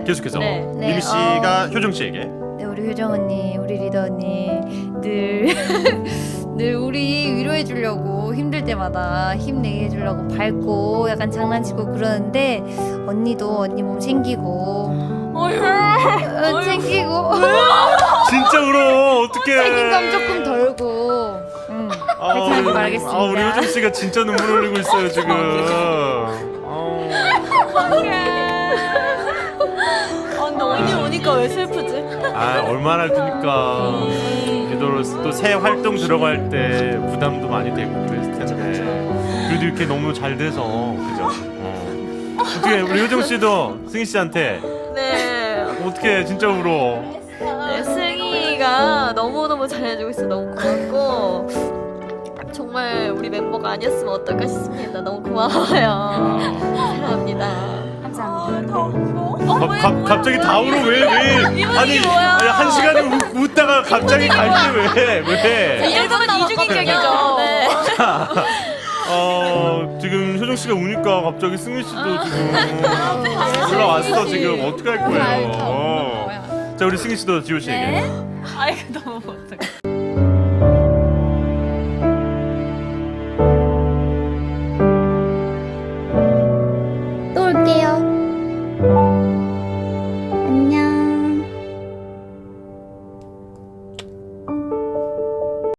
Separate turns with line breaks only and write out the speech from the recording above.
계속해서
네.
미미 씨가 효정 씨에게.
네, 우리 효정 언니, 우리 리더 언니 늘 늘 우리 위로해 주려고 힘들 때마다 힘내게 해주려고 밝고 약간 장난치고 그러는데 언니도 언니 몸 챙기고 챙기고
진짜 울어. 어떡해.
책임감 조금 덜고 그렇게 하지 말겠습니다.
우리 효정 씨가 진짜 눈물 흘리고 있어요 지금.
근데 언니 오니까 왜 슬프지?
얼마나 드니까 리더로서 또 새 활동 들어갈 때 부담도 많이 되고 그랬을 텐데 그래도 이렇게 너무 잘 돼서 그죠? 어떻게 우리 효정 씨도 승희 씨한테
네.
어떻게 진짜 울어?
네, 승희가 너무너무 잘해주고 있어. 너무 고맙고 정말 우리 멤버가 아니었으면 어떨까 싶습니다. 너무 고마워요. 사랑합니다.
갑자기 다 울어 왜? 아니 한 시간을 웃다가 갑자기 갈 때 왜?
1분 이중인격이죠. 네.
지금 효정 씨가 우니까 갑자기 승희 씨도 지금 올라왔어 지금 어떻게 할 거예요? 자 우리 승희 씨도 지호 씨에게.
아이고 너무 어떡해.